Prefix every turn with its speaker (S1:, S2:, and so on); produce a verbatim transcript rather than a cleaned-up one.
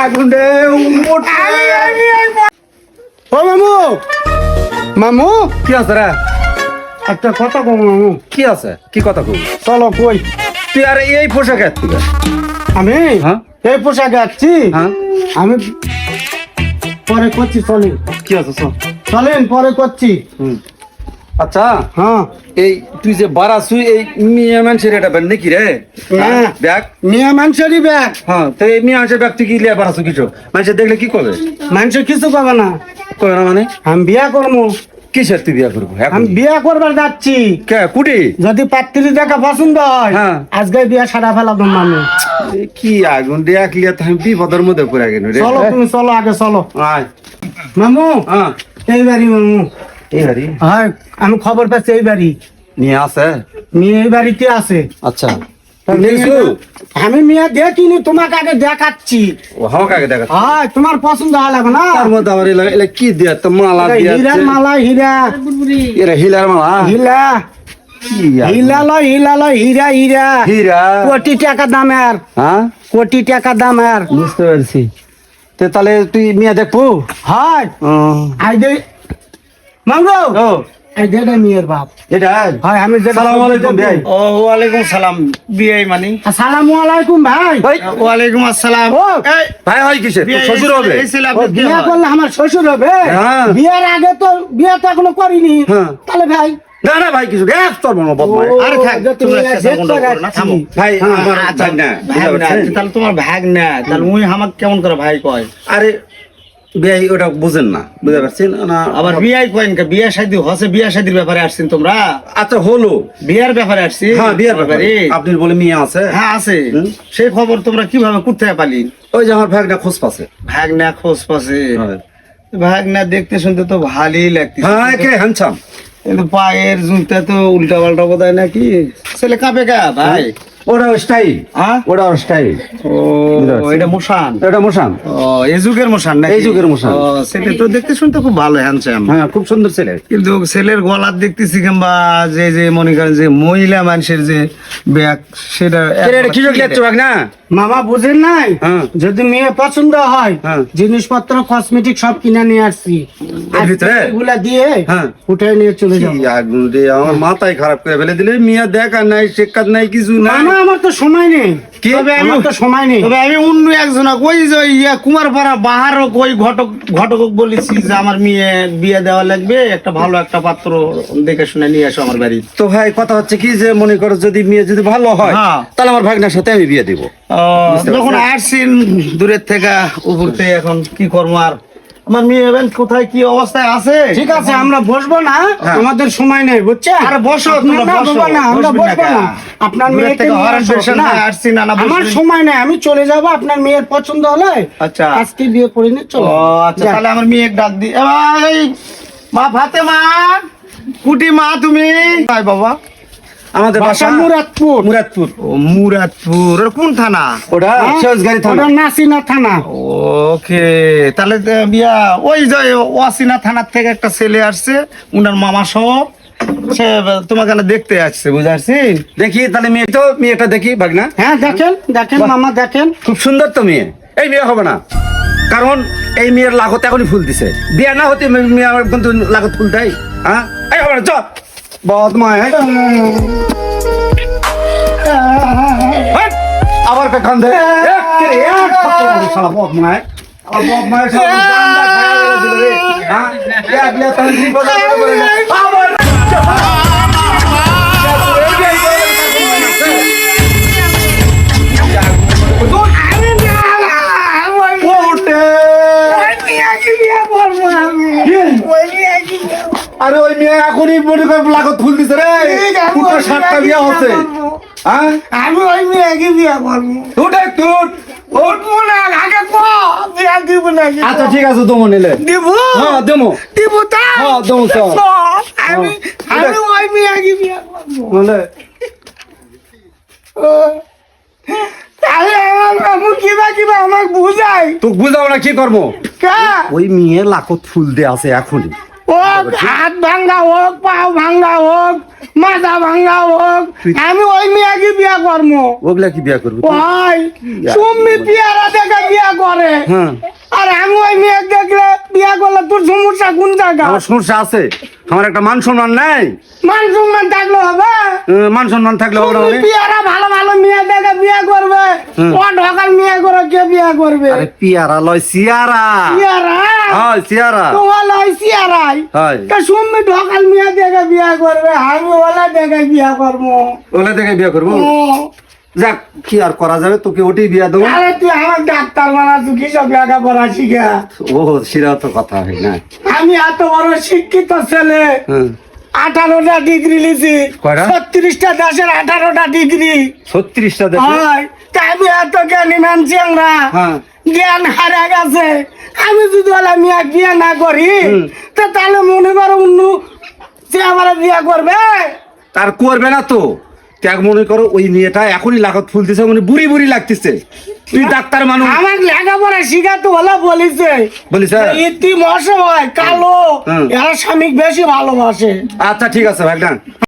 S1: আগুন রে ও মামু মামু
S2: কি আছে রে?
S1: একটা কথা কম মামু।
S2: কি আছে? কি কথা কই?
S1: চলো কই।
S2: তুই আর এই পোশাকে তুই
S1: আমি
S2: হ্যাঁ
S1: এই পোশাকে আসছি।
S2: হ্যাঁ
S1: আমি পরে করছি, চলেন।
S2: কি আছে চল
S1: চলেন পরে করছি।
S2: হুম আচ্ছা
S1: হ্যাঁ
S2: এই তুই যে বারাসুই এই মিয়া মানুষের এটা ব্যাগ নাকি রে?
S1: হ্যাঁ
S2: ব্যাগ
S1: মিয়া মানুষেরই ব্যাগ।
S2: হ্যাঁ তো এই মিয়া মানুষের ব্যাগ তুই কি লিয়া বারাসু কিছু মানুষের দেখলে কি করবে?
S1: মানুষ কিছু পাবে না।
S2: কবে না মানে
S1: আমি বিয়া করবো।
S2: কিসের তুই বিয়া করবো এখন?
S1: আমি বিয়া করবার যাচ্ছি।
S2: কে কুটি?
S1: যদি পাত্রী দেখা পছন্দ হয়
S2: হ্যাঁ।
S1: আজকে বিয়া সারা ফেলাম আমি।
S2: এ কি আগুন দেখ লিয়া তো আমি বিপদের মধ্যে পড়ে গেল রে।
S1: চলো তুমি চলো আগে চলো।
S2: আয়
S1: মামু
S2: হ্যাঁ
S1: এই বাড়ি মামু।
S2: এই বাড়ি
S1: হ্যাঁ আমি খবর পাচ্ছি এই বাড়ি।
S2: নিয়ে আছে
S1: মেয়ে এই বাড়িতে আছে।
S2: আচ্ছা তুই দেখছু?
S1: আমি মেয়ে দেখিনি, তোমাকে আগে দেখাচ্ছি।
S2: ও হাও কাকে দেখা
S1: হ্যাঁ তোমার পছন্দ হলে না।
S2: তার মধ্যে আবার এলা এলা কি দিয়া তো মালা
S1: এটা
S2: দিয়া
S1: হীরার মালা, হীরা
S2: এরা হিলার মালা
S1: হীরা
S2: কি আর?
S1: হীরা লয় হীরা লয় হীরা হীরা
S2: হীরা
S1: কোটি টাকা দামের,
S2: হ্যাঁ
S1: কোটি টাকা দামের।
S2: বুঝতে পারছি। তে তাহলে তুই মিয়া দেখবো?
S1: হয় আই দে মামু
S2: ও
S1: আই দে মেয়ের বাপ।
S2: এটা
S1: হয় আমি যে
S2: সালাম আলাইকুম ভাই।
S3: ও ওয়ালাইকুম সালাম। বিআই মানে
S1: আসসালামু আলাইকুম ভাই।
S2: ভাই
S3: ওয়ালাইকুম আসসালাম।
S1: ও
S3: এই,
S2: ভাই হয় কিসে? তোর
S3: বিয়ে-
S2: শ্বশুর হবে?
S3: এই ছেলে
S1: ও,
S3: আপনার কে
S1: বিয়ে
S3: হয়?
S1: করলে আমার শ্বশুর হবে।
S2: হ্যাঁ।
S1: বিয়ের আগে তো বিয়ে তো এখনো করিনি।
S2: হ্যাঁ।
S1: তাহলে ভাই
S2: না না ভাই কিছু গ্যাস তোর মনে বদমাই।
S1: ও,
S3: আরে থাক,
S1: যে তুমি
S3: তোমরা
S1: এক
S3: একটা
S1: ডেট
S3: second
S1: করে
S3: করো না,
S1: রাখছি।
S3: থামো।
S2: ভাই আমার
S3: আচ্ছা,
S2: ভাই না
S3: ভাগ না, তাহলে তোমার ভাগ না, তাহলে উনি আমাকে কেমন করে ভাই কয়?
S2: আরে ভাই ওটা বুঝেন না, বুঝতে পারছেন না?
S3: আবার বিয়াই কয়েন কে? বিয়া শাদী হসে, বিয়া শাদীর ব্যাপারে আসছেন তোমরা?
S2: আচ্ছা হলো।
S3: বিয়ার ব্যাপারে আসছি।
S2: হ্যাঁ বিয়ের ব্যাপারে আপনি বলে মিয়া আছে।
S3: হ্যাঁ আছে।
S2: হুম।
S3: সেই খবর তোমরা কিভাবে করতে পারলি?
S2: ওই যে আমার ভাগটা খোঁজ পাচ্ছে।
S3: ভাগ না খোঁজ পাশে।
S2: হ্যাঁ
S3: ভাগ না দেখতে শুনতে তো ভালোই লাগতেছে,
S2: হ্যাঁ কে হ্যান্ডসাম।
S3: কিন্তু পায়ের জুতা তো উল্টা পাল্টা বোধহয় নাকি? ছেলে কাঁপে গা ভাই?
S2: ওটা স্টাইল,
S3: হ্যাঁ
S2: ওটা স্টাইল।
S3: ও এটা মোশান।
S2: এটা মোশান,
S3: ও এই যুগের মোশান নাকি?
S2: এই যুগের মোশান।
S3: ও ছেলে তো দেখতে শুনতে খুব ভালো, হ্যান্ডসাম।
S2: হ্যাঁ খুব সুন্দর ছেলে।
S3: কিন্তু ছেলের গলার দেখতেছি কিংবা যে যে মনে করেন যে মহিলা মানুষের যে ব্যাগ সেটা
S2: এটা কি যোগ লেখছো ভাগ না?
S1: মামা বুঝেন নাই?
S2: হ্যাঁ।
S1: যদি মেয়ে পছন্দ হয়
S2: হ্যাঁ।
S1: জিনিসপত্র কসমেটিক সব কিনে নিয়ে আসছি।
S2: এর ভিতরে?
S1: এগুলা দিয়ে
S2: হ্যাঁ।
S1: উঠে নিয়ে চলে যাবো।
S2: কি আগুন রে, আমার মাথায় খারাপ করে ফেলে দিলে। মিয়া দেখা নাই, শেখাত নাই, কিছু নাই।
S1: মামা আমার তো সময় নেই।
S2: কি?
S1: তবে আমার তো সময় নেই।
S3: তবে আমি অন্য একজন ওই যে ইয়া কুমারপাড়া বাহারক ওই ঘটক ঘটক বলেছি যে আমার মেয়ে বিয়ে দেওয়া লাগবে, একটা ভালো একটা পাত্র দেখে শুনে নিয়ে আসো আমার বাড়ি।
S2: তো ভাই কথা হচ্ছে কি যে মনে করো যদি মেয়ে যদি ভালো হয়
S3: হ্যাঁ।
S2: তাহলে আমার ভাগনার সাথে আমি বিয়ে দিব। বুঝতে
S3: যখন
S2: পারছি।
S3: আসছেন দূরের থেকে উপর থেকে, এখন কি করবো আর? আমার মেয়ে এবার কোথায় কি অবস্থায় আছে?
S1: ঠিক আছে আমরা বসবো না,
S2: হ্যাঁ।
S1: আমাদের সময় নেই বুঝছেন?
S3: আরে বসো,
S1: আপনার
S3: তোমরা
S1: না,
S3: বসো।
S1: বাবা না, আমরা
S3: বসবেন না
S1: বসবো না।
S3: কেন?
S1: আপনার
S3: দূরের
S1: মেয়েকে
S3: থেকে
S1: নিয়ে
S3: হরেন
S1: আসো,
S3: পেশেন্ট
S1: না।
S3: হয়ে আসছি, না, না,
S1: আমার
S3: বসবেন।
S1: সময় নেই, আমি চলে যাব। আপনার মেয়ের পছন্দ হলে
S3: আচ্ছা।
S1: আজকে বিয়ে করে নিয়ে চলো।
S3: ও আচ্ছা,
S1: যাক।
S3: তাহলে আমার মেয়ে ডাক দি। এ ভাই, মা ফাতেমা, কুটি মা তুমি? ভাই বাবা,
S2: আমাদের
S1: বাসা
S2: বাসা
S1: মুরাদপুর।
S2: মুরাদপুর।
S3: ও মুরাদপুর। ওর কোন থানা?
S2: ওটা
S1: হ্যাঁ?
S2: সহজগাড়ি থানা।
S1: ওটা নাসিনা থানা।
S3: ওকে, তাহলে তো বিয়া ওই যে ওয়াসিনা থানার থেকে একটা ছেলে আসছে, উনার মামা সহ, সে তোমাকে না দেখতে আসছে, বুঝতে পারছি?
S2: দেখি তাহলে মেয়ে তো মেয়েটা দেখি ভাগনা।
S1: হ্যাঁ দেখেন দেখেন
S2: বাহ।
S1: মামা দেখেন।
S2: খুব সুন্দর তো মেয়ে। এই মেয়ে হবে না, কারণ এই মেয়ের লাগত এখনই ফুল দিছে। বিয়ে না হতে মে- মেয়ে আমার কিন্তু লাগত ফুল দেয়। হ্যাঁ এই হবে না, চ বদমায়। হেট, আবার পেখান দে। এক করে এক থাপ্পড় মারবো শালা বদমায়। আবার বদমায় শালা গান্ডা খায়া মেরে দিল রে। হ্যাঁ? এক লিয়া তাহলে বিপদ হবে বলে না। আবার ওঠে। আরে ওই মেয়ে এখনই মনে করে লাগত ফুল দিছে রে। দুটো সাতটা বিয়া হচ্ছে। হ্যাঁ
S1: আমি ওই মেয়েকে বিয়ে করবো।
S2: উঠে তুট
S1: উঠবো না, আগে কো বিয়ে দিব না।
S2: আচ্ছা ঠিক আছে দমো নিলে।
S1: দিব
S2: হ্যাঁ দমো।
S1: দিব তা
S2: হ্যাঁ দমো তো
S1: আমি
S2: হ্যাঁ।
S1: আমি ওই মেয়েকে বিয়ে করবো।
S2: বলে
S1: তাহলে আমার মামু কিবা কিবা আমাকে বুঝাই।
S2: তো বুঝাও না কি করবো?
S1: কা
S2: ওই মেয়ে লাখত ফুল দে আছে এখনই।
S1: হোক হাত ভাঙ্গা হোক পাও ভাঙ্গা হোক মাথা ভাঙ্গা হোক আমি ওই মেয়েকে বিয়া করবো।
S2: ওগুলা কি বিয়া করবি?
S1: ওই তুমি বিয়ারা দেখে বিয়া করে
S2: হ্যাঁ
S1: আর আমি ওই মেয়ে দেখলে বিয়া করলে তোর সমস্যা কোন জায়গা?
S2: আমার সমস্যা আছে, আমার একটা মান সম্মান নাই।
S1: মান সম্মান থাকলে হবে?
S2: আহ, মান সম্মান থাকলে হবে না
S1: তুমি
S2: মানে?
S1: বিয়ারা ভালো ভালো মেয়ে দেখে বিয়া করবে,
S2: হুম।
S1: ও ঢকাল মেয়ে করে কে বিয়া করবে?
S2: আরে পিয়ারা লয় সিয়ারা।
S1: বিয়ারা
S2: হয় সিয়ারা।
S1: তোমার লয় সিয়ারাই
S2: হয়
S1: তা তুমি ঢকাল মেয়ে দেখে বিয়া করবে, আমি ওলা দেখে বিয়া করবো।
S2: ওগুলা দেখে বিয়া করবো।
S1: ও,
S2: যাক কি আর করা যাবে, তোকে ওটাই বিয়া দেবো।
S1: আরে তুই আমার ডাক্তার বানা, তুই কিসব লেখাপড়া শিখা?
S2: ও সেটা তো কথা হয় না।
S1: আমি এত বড় শিক্ষিত ছেলে,
S2: হ্যাঁ
S1: আঠারোটা ডিগ্রি লিছি,
S2: কয়টা?
S1: ছত্রিশটা দেশের আঠারোটা ডিগ্রি
S2: ছত্রিশটা দেশে।
S1: হয়। তাই আমি এত জ্ঞানী মানছি আমরা,
S2: হ্যাঁ
S1: জ্ঞান হারা গেছে। আমি যদি ওলা মিয়া বিয়া না করি
S2: হুম।
S1: তা তাহলে মনে করো অন্য সে আমার বিয়া করবে।
S2: তার করবে না তো। ত্যাগ মনে করো ওই মেয়েটা এখনই লাগাত ফুলতেছে, মানে বুড়ি বুড়ি লাগতেছে। তুই ডাক্তার মানুষ
S1: আমার লেখাপড়া শিখাতে হলে বলিছে
S2: বলিস হ্যাঁ?
S1: ইতি মশাই কালো
S2: হুম।
S1: এরা স্বামী বেশি ভালোবাসে।
S2: আচ্ছা ঠিক আছে ভাই না।